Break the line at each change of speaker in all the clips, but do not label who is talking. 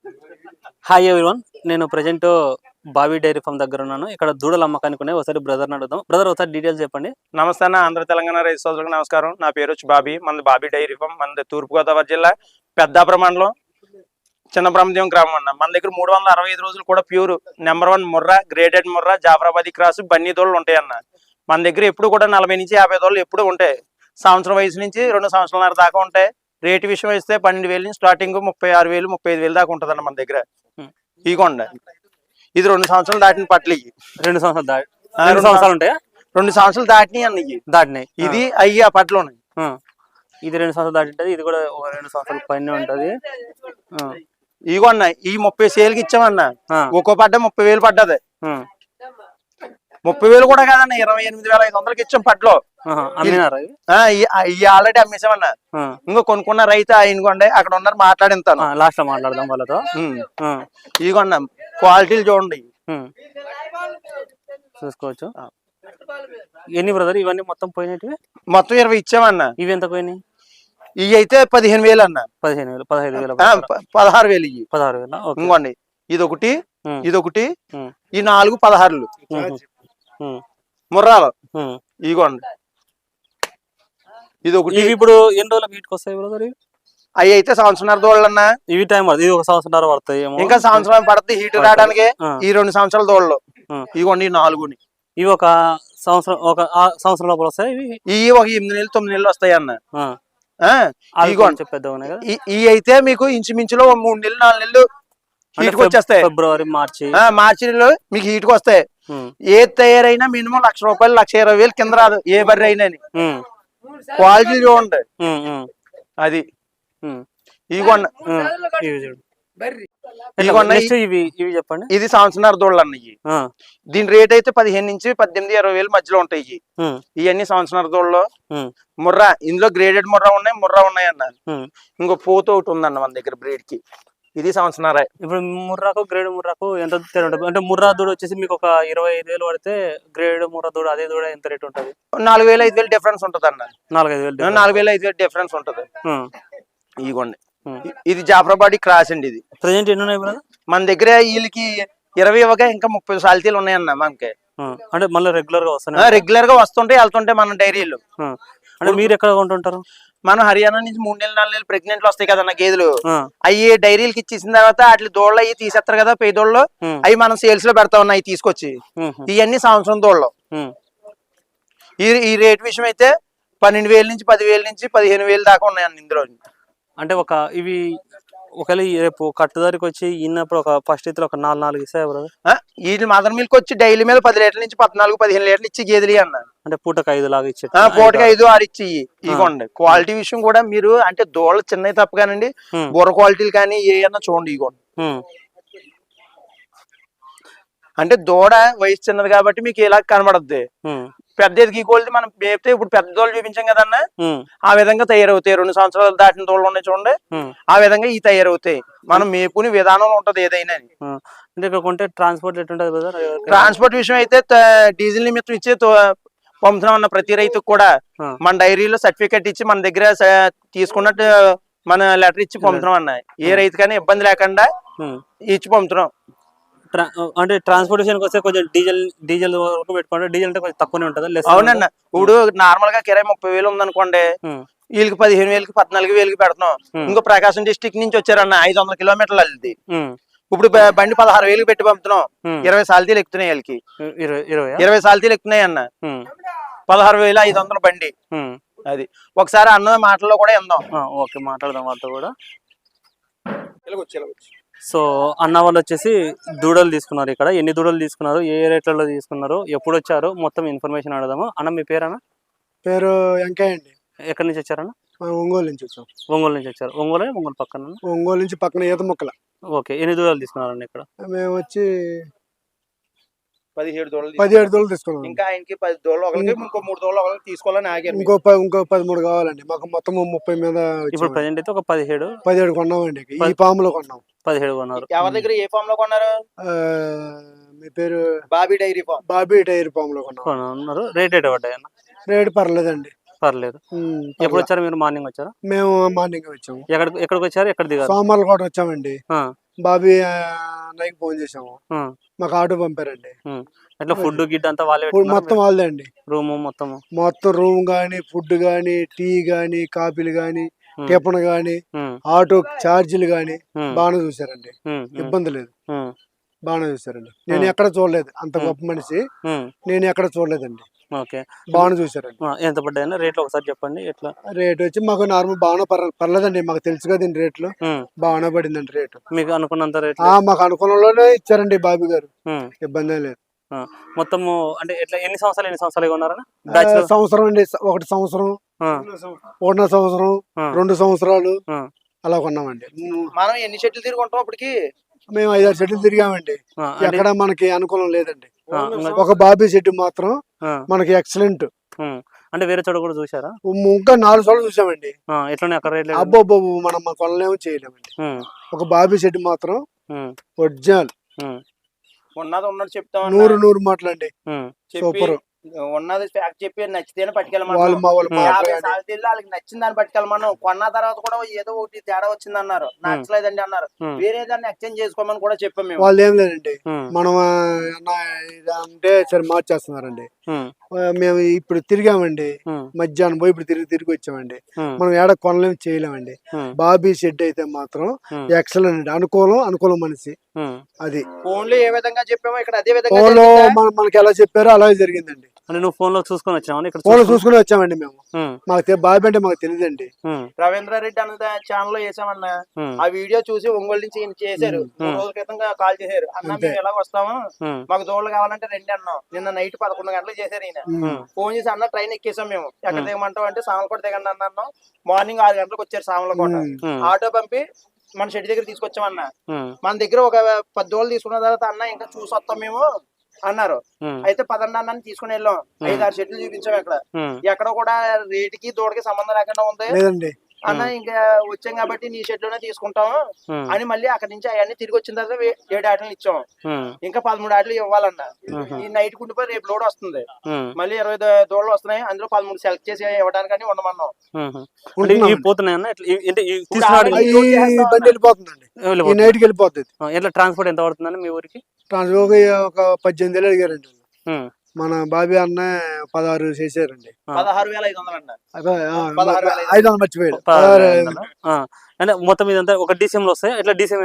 Hi everyone, నేను present Bobby dairy farm దగ్గర ఉన్నాను. ఇక్కడ దూడల అమ్మకానికి ఉన్నాయి. ఒకసారి బ్రదర్ని అడుగుదాం. బ్రదర్, ఒకసారి డీటెయిల్స్ చెప్పండి.
నమస్తే అన్న, ఆంధ్ర తెలంగాణ రైతు సోదరులకు నమస్కారం. నా పేరు వచ్చి బాబీ. మనది బాబీ డైరీ ఫామ్. మనది తూర్పుగోదావరి జిల్లా పెద్దాపురం మండలం చిన్న బ్రహ్మదేవం గ్రామం అన్న. మన దగ్గర 365 రోజులు కూడా pure number 1 Murrah, graded Murrah, Jafarabadi cross, Banni దోళ్ళు ఉంటాయన్న. మన దగ్గర ఎప్పుడు కూడా 40 నుంచి 50 దోళ్ళు ఎప్పుడు ఉంటాయి. సంవత్సరం వయసు నుంచి 2 సంవత్సరాల దాకా ఉంటాయి. రేటు విషయం వస్తే 12,000 నుంచి స్టార్టింగ్ 36,000, 35,000 దాకా ఉంటుందన్న మన దగ్గర. ఇగోండి, ఇది 2 సంవత్సరాలు దాటిన పట్లు. ఇవి
2 సంవత్సరాలు దాటి 2 సంవత్సరాలు ఉంటాయా?
2 సంవత్సరాలు దాటినాయి అన్న. ఇవి
దాటినాయి.
ఇది అయ్యి ఆ పట్లు ఉన్నాయి.
ఇది 2 సంవత్సరాలు దాటి ఉంటుంది. ఇది కూడా 2 సంవత్సరాల పైన ఉంటుంది.
ఇగోన్న ఈ 30 సేల్కి ఇచ్చామన్న. ఒక్కో పడ్డ 30,000 పడ్డది. 30,000 కూడా కాదన్న, 28,500కి ఇచ్చాం పట్లో. ఆల్రెడీ అమ్మేసామన్నా. ఇంకో కొనుక్కున్న రైతు ఆయనకోండి అక్కడ ఉన్నారు, మాట్లాడింతాను.
లాస్ట్ లో మాట్లాడదాం వాళ్ళతో.
ఇదిగోండి క్వాలిటీలు చూడండి,
చూసుకోవచ్చు. ఎన్ని బ్రదర్ ఇవన్నీ మొత్తం పోయినవి?
మొత్తం 20 ఇచ్చామన్నా.
ఇవి ఎంత పోయినాయి?
ఇవి అయితే 15,000 అన్న.
15,000, 15,000,
16,000. ఇవి
16,000.
ఇంకోండి ఇదొకటి, ఇదొకటి, ఈ 4 16లు ముర్రాలు. ఇదిగోండి ఇదొకటి.
ఇప్పుడు ఎన్ని రోజులకు వీటికి వస్తాయి బ్రదర్?
అవి అయితే సంవత్సరాల దోళ్ళన్నా.
ఇవి టైం పడుతుంది, ఇది 1 సంవత్సరం పడుతుంది.
ఇంకా సంవత్సరం పడుతుంది హీట్ రావడానికి. ఈ 2 సంవత్సరాల దోళ్ళు. ఇదిగోండి ఈ 4ని.
ఇవి ఒక సంవత్సరం, ఒక సంవత్సరం లోపల వస్తాయి.
ఇవి ఒక 8 నెలలు 9 నెలలు వస్తాయి అన్న. ఇవి అయితే మీకు ఇంచుమించులో 3 నెలలు 4 నెలలు హీట్ వచ్చేస్తాయి.
ఫిబ్రవరి
మార్చిలో మీకు హీట్ వస్తాయి. ఏ తయారైనా మినిమం 1,00,000 రూపాయలు, 1,20,000 కింద రాదు ఏ బర్రె అయినా. క్వాలిటీ చూడండి అది. ఇదిగోండి
చెప్పండి.
ఇది సంవత్సరాల దోళ్ళు అన్న. దీని రేట్ అయితే 15 నుంచి 18,000-20,000 మధ్యలో ఉంటాయి. ఇవన్నీ సంవత్సరాల దోళ్ళు ముర్రా. ఇందులో గ్రేడెడ్ ముర్రా ఉన్నాయి, ముర్రా ఉన్నాయి అన్న. ఇంకో పోత ఒకటి ఉందన్న మన దగ్గర బ్రీడ్ కి. ఇది సంవత్సరాల.
ఇప్పుడు ముర్రాకు గ్రేడ్ ముర్రాకు ఎంత తేడా ఉంటుంది? అంటే ముర్రా దూడ వచ్చేసి మీకు ఒక 25,000 పడితే, గ్రేడ్ ముర్రా దూడ అదే దూడ ఎంత రేట్ ఉంటుంది?
4,000-5,000 డిఫరెన్స్ ఉంటుంది అన్న.
4,000-5,000
డిఫరెన్స్ ఉంటుంది. ఇదిగోండి ఇది జాఫరాబాదీ క్రాస్ అండి. ఇది
ప్రెజెంట్ ఎన్ని ఉన్నాయి బ్రదర్
మన దగ్గర? వీళ్ళకి 20 ఇవ్వగా ఇంకా 30 సాల్తీలు ఉన్నాయన్న మనకి.
అంటే మళ్ళీ రెగ్యులర్ గా వస్తున్నాయి,
రెగ్యులర్ గా వస్తుంటాయి వెళ్తుంటాయి మన డైరీలు.
అంటే మీరు ఎక్కడ కొంటుంటారు?
మనం హర్యానా నుంచి 3 నెలలు 4 నెలలు ప్రెగ్నెంట్లు వస్తాయి కదన్న గేదెలు. అవి డైరీలకి ఇచ్చేసిన తర్వాత వాటి దోళ్ళు అవి తీసేస్తారు కదా, పై దోళ్ళు. అవి మనం సేల్స్ లో పెడతా ఉన్నాయి తీసుకొచ్చి. ఇవన్నీ సంవత్సరం దోళ్ళు. ఈ రేట్ విషయం అయితే 12,000 నుంచి 10,000 నుంచి 15,000 దాకా ఉన్నాయన్న ఇందులో.
అంటే ఇవి ఒకవేళ రేపు కట్టుదారికి వచ్చి ఇన్నప్పుడు ఒక ఫస్ట్ ఇతర ఒక 4 ఇస్తాయి బ్రదర్.
వీటి మదర్ మిల్క్ వచ్చి డైలీ మీద 10 లీటర్ల నుంచి 14-15 లీటర్లు ఇచ్చి గేదెలు అన్న.
అంటే పూటకి 5 లాగా ఇచ్చి,
పూటకి 5-6 ఇచ్చి. ఇగోండి క్వాలిటీ విషయం కూడా మీరు అంటే దోళ్ళ చిన్నవి తప్పగానండి, బుర్ర క్వాలిటీలు కానీ ఏమన్నా చూడండి. ఇగోండి అంటే దూడ వయసు చిన్నది కాబట్టి మీకు ఇలా కనబడద్ది. పెద్ద ఎదిగి కోల్ది మనం మేపితే ఇప్పుడు పెద్ద దోళ్ళు చూపించాం కదన్నా, ఆ విధంగా తయారవుతాయి. 2 సంవత్సరాలు దాటిన దోళ్ళు ఉన్నాయి చూడండి, ఆ విధంగా ఈ తయారవుతాయి. మనం మేపుని విధానం ఉంటది ఏదైనా.
అంటే కొంటే ట్రాన్స్పోర్ట్ ఎట్లుంటది బ్రదర్?
ట్రాన్స్పోర్ట్ విషయం అయితే డీజిల్ నిమిత్తం ఇచ్చి పంపుతున్నాం అన్న ప్రతి రైతుకు కూడా. మన డైరీలో సర్టిఫికేట్ ఇచ్చి మన దగ్గర తీసుకున్నట్టు మన లెటర్ ఇచ్చి పంపుతున్నాం అన్న. ఏ రైతు కానీ ఇబ్బంది లేకుండా ఇచ్చి పంపుతున్నాం.
అంటే ట్రాన్స్పోర్టేషన్ వస్తే కొంచెం డీజిల్ వరకు పెట్టుకుంటే, డీజిల్ అంటే కొంచెం తక్కువనే ఉంటుంది.
అవునన్న, ఇప్పుడు నార్మల్ గా కిరాయి 30,000 ఉందనుకోండి, వీళ్ళకి 15,000కి 14,000కి పెడుతున్నాం. ఇంకో ప్రకాశం డిస్టిక్ నుంచి వచ్చారన్న 500 కిలోమీటర్లు అది. ఇప్పుడు బండి 16,000కి పెట్టి పంపుతున్నాం. 20 సాల్తీలు ఎక్కుతున్నాయి వీళ్ళకి. 20 సాల్తీలు ఎక్కుతున్నాయి అన్న. 16,500 బండి. అది ఒకసారి అన్న మాటల్లో కూడా విందాం.
ఓకే, మాట్లాడదాం వాళ్ళతో కూడా. సో అన్న వాళ్ళు వచ్చేసి దూడలు తీసుకున్నారు. ఇక్కడ ఎన్ని దూడలు తీసుకున్నారు, ఏ రేట్లలో తీసుకున్నారు, ఎప్పుడు వచ్చారు, మొత్తం ఇన్ఫర్మేషన్ అడదాము. అన్న మీ పేరు?
పేరు వెంకయ్య అండి.
ఎక్కడి నుంచి వచ్చారన్న?
ఒంగోలు నుంచి వచ్చాం.
ఒంగోలు నుంచి వచ్చారు. ఒంగోలు పక్కన?
ఒంగోలు నుంచి పక్కన ఈత మొక్కల.
ఓకే, ఎన్ని దూడలు తీసుకున్నారండి ఇక్కడ?
మేము వచ్చి
17
దోళ్ళు తీసుకున్నాం.
ఇంకా ఆయనకి 10 దోళ్ళు, ఇంకో 3 దోళ్ళు తీసుకోవాలని ఆగారు.
ఇంకో 13 కావాలండి మాకు. మొత్తం 30 మీద.
ఇప్పుడు ప్రెజెంట్ అయితే ఒక
17 కొన్నామండి. ఈ ఫామ్ లో కొన్నాం.
17 కొన్నారు.
ఎవరి దగ్గర ఏ ఫామ్ లో కొన్నారు?
మీ పేరు?
Bobby dairy farm.
Bobby dairy farm లో కొన్నారు.
రేట్ ఎటు పడ్డాయి అన్న?
రేట్ పర్లేదండి.
పర్లేదు. ఎప్పుడు వచ్చారు మీరు? మార్నింగ్ వచ్చారా?
మేము మార్నింగ్ వచ్చాము.
ఎక్కడికి వచ్చారు, ఎక్కడ దిగారు?
సోమవారం కూడా వచ్చామండి. బాబీ అన్నయ్యకి ఫోన్ చేసాము,
ఉమ్,
మాకు ఆటో పంపారండి.
ఉమ్. ఎట్లా ఫుడ్ గిడ్ అంతా వాళ్ళే
ఇప్పుడు మొత్తం వాళ్ళదే అండి.
రూమ్ మొత్తము?
మొత్తం రూమ్ గానీ, ఫుడ్ గానీ, టీ గానీ, కాఫీలు గానీ,
ఉమ్,
టిఫిన్ గానీ,
ఉమ్,
ఆటో ఛార్జీలు గానీ
ఉమ్,
బాగానే చూసారండి.
ఉమ్, ఉమ్,
ఇబ్బంది లేదు,
ఉమ్,
బాగానే చూసారండి. నేను
ఉమ్,
ఎక్కడ చూడలేదు అంత
ఉమ్,
గొప్ప మనిషి,
ఉమ్.
నేను ఎక్కడ చూడలేదండి.
ఓకే.
బాగానే చూసారండి.
ఎంత పడ్డాయన్నా రేట్లు ఒకసారి చెప్పండి ఎట్లా?
రేట్ వచ్చి మాకు నార్మల్ బాగానే పర్లేదండి, మాకు తెలుసు కదండి రేట్లు.
ఉమ్.
బాగానే పడిందండి రేటు.
మీకు అనుకున్నంత రేట్లు?
మాకు అనుకూలంలోనే ఇచ్చారండి బాబు గారు, ఇబ్బంది ఏం లేదు.
మొత్తము అంటే ఎట్లా ఎన్ని సంవత్సరాలు ఉన్నారన్నా బ్యాచులర్?
సంవత్సరం అండి, ఒకటి సంవత్సరం, ఒకటిన్నర సంవత్సరం, 2 సంవత్సరాలు అలా కొన్నామండి.
మనం ఎన్ని చెట్లు తిరుగుంటాం అప్పటికి?
మేము 5-6 చెట్లు తిరిగామండి,
అంటే
ఎక్కడ మనకి అనుకూలం లేదండి.
ఇంకా
ఒక బాబీ చెట్టు మాత్రం
ఆ,
మనకి ఎక్సలెంట్.
అంటే వేరే చోట కూడా చూసారా?
ఇంకా 4 సార్లు చూసామండి.
ఎట్లున్నాయి అక్కడ రేట్లు?
అబ్బో మనం కొనలేము, చేయలేమండి. ఒక బాబీ చెట్టు మాత్రం ఒరిజినల్,
ఉన్నది ఉన్నట్టు చెప్తాం,
100 మాటలండి. సూపర్.
ఉన్నది ఫ్యాక్ట్ చెప్పి నచ్చితేనే పట్టుకెళ్ళమన్నాం.
వాళ్ళు మా వాళ్ళు
50 సార్లు వాళ్ళకి నచ్చిన దాన్ని పట్టుకెళ్ళమన్నాం. కొన్న తర్వాత కూడా ఏదో ఒకటి తేడా వచ్చింది అన్నారు, నచ్చలేదండి అన్నారు. వేరే దాన్ని ఎక్స్చేంజ్ చేసుకోమని కూడా చెప్పాం మేము.
వాళ్ళు ఏం లేదండి, మనం అంటే సరే మార్చేస్తున్నారండి. మేము ఇప్పుడు తిరిగామండి, మధ్యాహ్నం పోయి ఇప్పుడు తిరిగి వచ్చామండి. మనం ఏడ కొనలేము, చేయలేమండి. బాబీ షెడ్ అయితే మాత్రం ఎక్సలెంట్ అండి, అనుకూలం మనిషి. అది
ఫోన్లో ఏ విధంగా చెప్పామో ఇక్కడ అదే విధంగా
ఫోన్లో మనకి ఎలా చెప్పారో అలాగే జరిగిందండి.
అంటే నువ్వు ఫోన్ లో చూసుకొని వచ్చావు? ఇక్కడ
ఫోన్లో చూసుకుని వచ్చామండి మేము. మాకు బాబీ అంటే మాకు తెలియదండి.
రవీంద్రారెడ్డి అన్న ఛానల్ లో వేసామన్నా, ఆ వీడియో చూసి ఒంగోలు నుంచి చేశారు. 3 రోజుల క్రితం కాల్ చేశారు, అన్న మేము ఎలా వస్తాము, మాకు దోళ్ళు కావాలంటే రండి అన్నాం. నిన్న నైట్ 11 గంటలకు చేశారు ఈయన. ఫోన్ చేసి అన్న ట్రైన్ ఎక్కేసాం మేము, ఎక్కడ దిగమంటాం అంటే సామలకోట దిగండి అన్నాం. మార్నింగ్ 6 గంటలకు వచ్చారు సామలకోట. ఆటో పంపి మన షెడ్ దగ్గర తీసుకొచ్చామన్న. మన దగ్గర ఒక 10 దోళ్ళు తీసుకున్న తర్వాత అన్న ఇంకా చూసి వస్తాం మేము అన్నారు. అయితే పదండి అన్న తీసుకుని వెళ్ళాం. 5-6 చెట్లు చూపించాం. ఎక్కడ కూడా రేటుకి దూడకి సంబంధం లేకుండా ఉంది అన్న. ఇంకా వచ్చాం కాబట్టి నీ షెడ్ లోనే తీసుకుంటాము అని మళ్ళీ అక్కడి నుంచి అవన్నీ తిరిగి వచ్చిన తర్వాత 7 ఆటలు ఇచ్చాం. ఇంకా 13 ఆటలు ఇవ్వాలన్న. ఈ నైట్ కుండిపోయి రేపు లోడ్ వస్తుంది, మళ్ళీ 20 దూడలు వస్తున్నాయి. అందులో 13 సెలెక్ట్ చేసి ఇవ్వడానికి ఉండమన్నాం.
ట్రాన్స్పోర్ట్ ఎంత పడుతుందండి మీ ఊరికి?
ఒక 18 వేలు అడిగారండి. మన బాబీ అన్న 16 చేశారండి.
16,500
మర్చిపోయాడు.
అంటే మొత్తం ఇదంతా ఒక DCM లో వస్తాయి? ఎట్లా DCM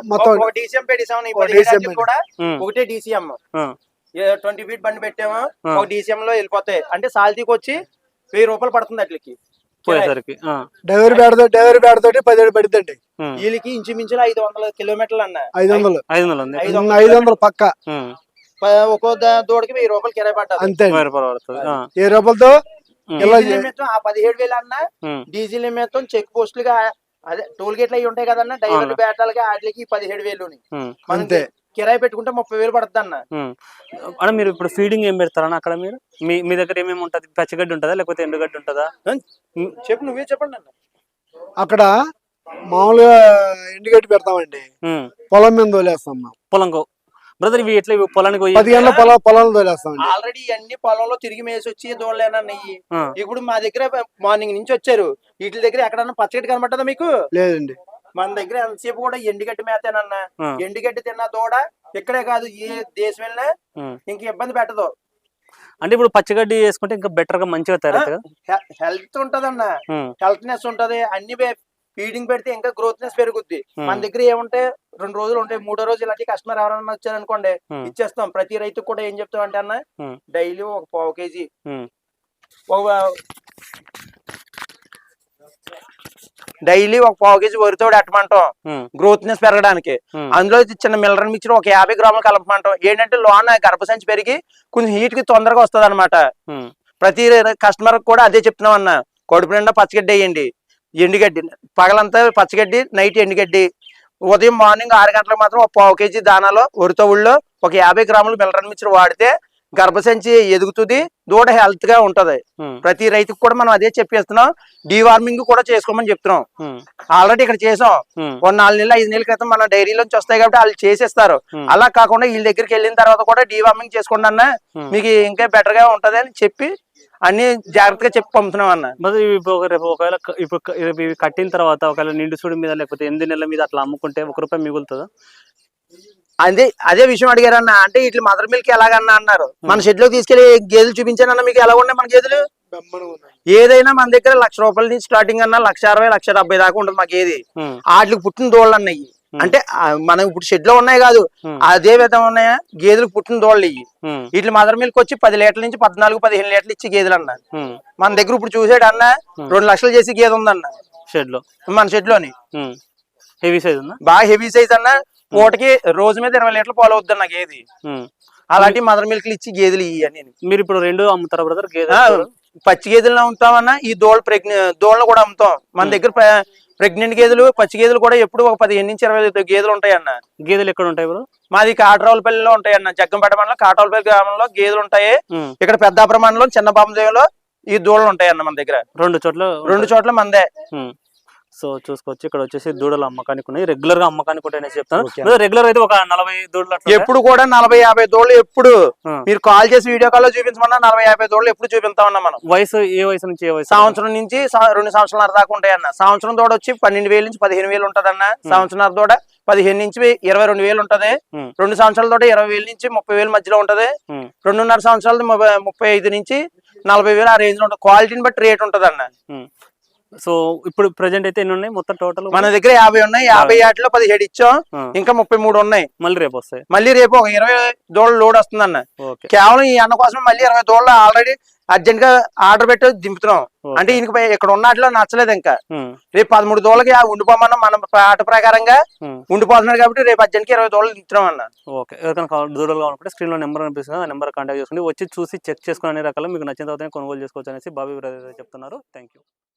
కూడా ఒకటే DCM 20 ఫీట్ బండి పెట్టాము, ఒక DCM లో వెళ్ళిపోతాయి. అంటే సాల్తీకి వచ్చి 1000 రూపాయలు పడుతుంది అట్లకి
పోయేసరికి.
డ్రైవర్ బ్యాడ్ తోటి 17 పడుతుందండి.
వీళ్ళకి ఇంచుమించులు 500 కిలోమీటర్లు అన్న.
500 పక్క.
ఒక్కో దూడకి 1000 రూపాయలు కిరాయి పడ్డారు
అంతే. 10 రూపాయలతో
ఆ 17,000 అన్న. డీజిల్ నిమిత్తం చెక్ పోస్టులుగా అదే టోల్ గేట్లు అవి ఉంటాయి కదన్న, డ్రైవర్లు బేటాలకి వాటికి 17,000. అంతే. కిరాయి పెట్టుకుంటే 30,000 పడుతుంది అన్న.
అంటే మీరు ఇప్పుడు ఫీడింగ్ ఏం పెడతారన్న అక్కడ? మీరు మీ దగ్గర ఏమేమి ఉంటది? పచ్చిగడ్డి ఉంటుందా లేకపోతే ఎండుగడ్డి ఉంటుందా?
చెప్పు, నువ్వే చెప్పండి అన్న.
అక్కడ మామూలుగా ఎండుగడ్డి పెడతామండి, పొలం మీద తోలేస్తాం.
పొలంకో బ్రదర్ ఇవి ఎట్లా పొలానికి
10 గంటల పొలంలో తోలేస్తామండి.
ఆల్రెడీ అన్ని పొలంలో తిరిగి మేసి వచ్చి దోడలేనయ్యి. ఇప్పుడు మా దగ్గర మార్నింగ్ నుంచి వచ్చారు, వీటి దగ్గర ఎక్కడన్నా పచ్చగడ్డి కనబట్టదా మీకు?
లేదండి.
మన దగ్గర ఎంతసేపు కూడా ఎండుగడ్డి మేతేనన్నా. ఎండుగడ్డి తిన్న దూడ ఇక్కడే కాదు, ఏ దేశం వెళ్ళినా ఇంక ఇబ్బంది పెట్టదు.
అంటే ఇప్పుడు పచ్చగడ్డి వేసుకుంటే ఇంకా బెటర్ గా మంచిగా తయారవుతుంది,
హెల్త్ ఉంటదన్న, హెల్త్నెస్ ఉంటది. అన్ని ఫీడింగ్ పెడితే ఇంకా గ్రోత్నెస్ పెరుగుద్ది. మన దగ్గర ఏముంటే 2 రోజులు ఉంటాయి, 3వ రోజు ఇలాంటి కస్టమర్ ఎవరైనా వచ్చారనుకోండి ఇచ్చేస్తాం. ప్రతి రైతుకు కూడా ఏం చెప్తాం అంటే అన్న, డైలీ ఒక 1/4 కేజీ వరితోడు ఎట్టమంటాం గ్రోత్నెస్ పెరగడానికి. అందులో చిన్న మిల్లర్ మిక్చర్ ఒక 50 గ్రాములు కలపమంటాం. ఏంటంటే లోన గర్భసంచి పెరిగి కొంచెం హీట్ కి తొందరగా వస్తుంది అనమాట. ప్రతి కస్టమర్ కూడా అదే చెప్తున్నాం అన్న, కడుపు నిండా పచ్చగడ్డి వేయండి, ఎండుగడ్డి పగలంతా పచ్చగడ్డి, నైట్ ఎండుగడ్డి. ఉదయం మార్నింగ్ 6 గంటలకు మాత్రం ఒక 1/4 కేజీ దానాలో వరితోవుల్లో ఒక 50 గ్రాములు మిల్లర్ మిక్చర్ వాడితే గర్భసంచి ఎదుగుతుంది, దూడ హెల్త్ గా ఉంటది. ప్రతి రైతుకు కూడా మనం అదే చెప్పేస్తున్నాం. డీవార్మింగ్ కూడా చేసుకోమని చెప్తున్నాం. ఆల్రెడీ ఇక్కడ చేసాం. 4 నెలలు 5 నెలల క్రితం మన డైరీలోంచి వస్తాయి కాబట్టి వాళ్ళు చేసేస్తారు. అలా కాకుండా వీళ్ళ దగ్గరికి వెళ్ళిన తర్వాత కూడా డీవార్మింగ్ చేసుకోండి అన్న, మీకు ఇంకా బెటర్ గా ఉంటది అని చెప్పి అన్ని జాగ్రత్తగా చెప్పి పంపుతున్నాం అన్న.
మరి రేపు ఒకవేళ రేపు ఇవి కట్టిన తర్వాత ఒకవేళ నిండు సూడి మీద లేకపోతే 8 నెలల మీద అట్లా అమ్ముకుంటే ₹1 మిగులుతుందా?
అదే విషయం అడిగారన్న. అంటే ఇట్లా మదర్ మిల్క్ ఎలాగన్నా అన్నారు. మన షెడ్ లో తీసుకెళ్లి గేదెలు చూపించానన్న, మీకు ఎలా ఉన్నాయి మన గేదెలు? ఏదైనా మన దగ్గర ₹1,00,000 నుంచి స్టార్టింగ్ అన్న 1,60,000 1,70,000 దాకా ఉంటుంది మాకు ఏది. వాటికి పుట్టిన దోళ్ళు అన్నయ్యి. అంటే మనం ఇప్పుడు షెడ్ లో ఉన్నాయి కాదు, అదే విధంగా ఉన్నాయా గేదెలకు పుట్టిన దోళ్ళు ఇవి. వీటి మదర్ మిల్క్ వచ్చి 10 లీటర్ల నుంచి 14-15 లీటర్లు ఇచ్చి గేదెలు అన్న. మన దగ్గర ఇప్పుడు చూసాడు అన్న 2 లక్షలు చేసి గేదె ఉందన్న
షెడ్ లో, మన
షెడ్ లోని.
హెవీ సైజ్ ఉందా?
బాగా హెవీ సైజ్ అన్న. పూటకి రోజు మీద 20 లీటర్లు పాలు అవుతుంది అన్న గేది. అలాంటి మదర్ మిల్క్లు ఇచ్చి గేదెలు ఇవి అని.
మీరు ఇప్పుడు 2 అమ్ముతారా బ్రదర్? గేదె
పచ్చి గేదెలను అమ్ముతామన్నా, ఈ దోళ్ళను కూడా అమ్ముతాం. మన దగ్గర ప్రెగ్నెంట్ గేదెలు, పచ్చి గేదెలు కూడా ఎప్పుడు ఒక 15 నుంచి 20 గేదెలు ఉంటాయన్న.
గేదెలు ఎక్కడ ఉంటాయి బ్రో?
మాది కాటరావులపల్లిలో ఉంటాయన్న. జగ్గంపేట మండలం కాటరావులపల్లి గ్రామంలో గేదెలు ఉంటాయి. ఇక్కడ పెద్దాపురం మండలం చిన్న బాంబదేవిలో ఈ దూడలు ఉంటాయన్న మన దగ్గర. 2 చోట్ల మందే.
సో చూసుకోవచ్చు, ఇక్కడ వచ్చేసి దూడలు అమ్మకానికి ఉన్నాయి. రెగ్యులర్ గా అమ్మకానికి ఉంటాయని చెప్తాను. రెగ్యులర్ అయితే ఒక 40 దూడలు
ఎప్పుడు కూడా 40-50 దూడలు ఎప్పుడు మీరు కాల్ చేసి వీడియో కాల్ లో చూపించమన్నా 40-50 దూడలు ఎప్పుడు చూపిస్తామన్నా మనం.
వయసు ఏ వయసు నుంచి ఏ వయసు?
సంవత్సరం నుంచి 2 సంవత్సరాల దాకా ఉంటాయన్న. సంవత్సరం దూడ వచ్చి 12,000 నుంచి 15,000 ఉంటదన్న. సంవత్సరం దూడ 15 నుంచి 22,000 ఉంటది. 2 సంవత్సరాల దూడ 20,000 నుంచి 30,000 మధ్యలో ఉంటది. 2.5 సంవత్సరాలు 35 నుంచి 40,000 ఆ రేంజ్ లో ఉంటుంది. క్వాలిటీని బట్టి రేట్ ఉంటది అన్న.
సో ఇప్పుడు ప్రెసెంట్ అయితే ఎన్ని ఉన్నాయి మొత్తం టోటల్?
మన దగ్గర 50 ఉన్నాయి. 50 వాటిలో 17 ఇచ్చాం. ఇంకా 33 ఉన్నాయి.
మళ్ళీ రేపు వస్తాయి.
మళ్ళీ రేపు ఒక 20 దూడలు లోడ్ వస్తుంది అన్న. కేవలం ఈ అన్న కోసం మళ్ళీ 20 దూడలు ఆల్రెడీ అర్జెంట్ గా ఆర్డర్ పెట్టి దింపుతున్నాం. అంటే ఇక్కడ ఉన్నట్లో నచ్చలేదు. ఇంకా రేపు 13 దూడలకి ఉండిపోమన్నా మన ఆట ప్రకారంగా ఉండిపోతున్నాడు కాబట్టి రేపు అర్జెంట్ కి 20 దూడలు దింపుతున్నాం అన్న.
ఓకే, ఎవరికైనా దూడలు కావాలంటే స్క్రీన్ లో నెంబర్ అనిపిస్తుంది, ఆ నెంబర్ కాంటాక్ట్ చేసుకోండి. వచ్చి చూసి చెక్ చేసుకుని అన్ని రకాలు మీకు నచ్చిన తర్వాత కొనుగోలు చేసుకోవచ్చు అనేసి బాబీ బ్రదర్ చెప్తున్నారు. Thank you.